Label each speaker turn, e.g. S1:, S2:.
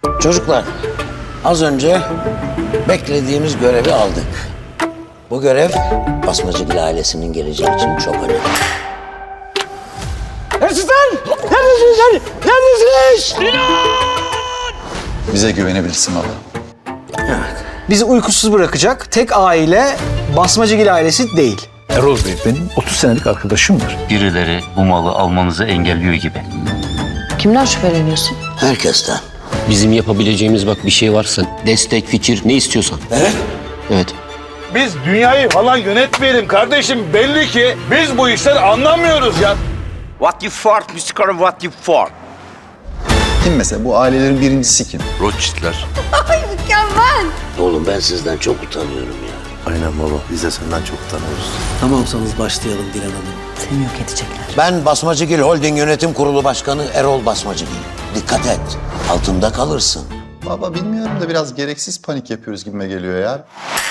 S1: Çocuklar, az önce beklediğimiz görevi aldık. Bu görev Basmacıgil ailesinin geleceği için çok önemli. Hırsızlar! Neredesiniz? Neredesiniz?
S2: Bize güvenebilirsin baba.
S3: Bizi uykusuz bırakacak tek aile Basmacıgil ailesi değil.
S4: Erol Bey benim 30 senelik arkadaşımdır.
S5: Birileri bu malı almanızı engelliyor gibi.
S6: Kimden şüpheleniyorsun?
S1: Herkesten.
S7: Bizim yapabileceğimiz bak bir şey varsa destek, fikir ne istiyorsan.
S1: Evet.
S7: Evet.
S8: Biz dünyayı falan yönetmeyelim kardeşim. Belli ki biz bu işleri anlamıyoruz ya.
S9: What you fought, Mr. What you fought.
S2: Kim mesela? Bu ailelerin birincisi kim?
S9: Rothschild'ler.
S1: Oğlum ben sizden çok utanıyorum ya.
S8: Aynen baba. Biz de senden çok utanıyoruz.
S10: Tamamsanız başlayalım Dilan Hanım.
S6: Seni yok edecekler.
S1: Ben Basmacıgil Holding Yönetim Kurulu Başkanı Erol Basmacıgil. Dikkat et, altında kalırsın.
S2: Baba bilmiyorum da biraz gereksiz panik yapıyoruz gibime geliyor ya.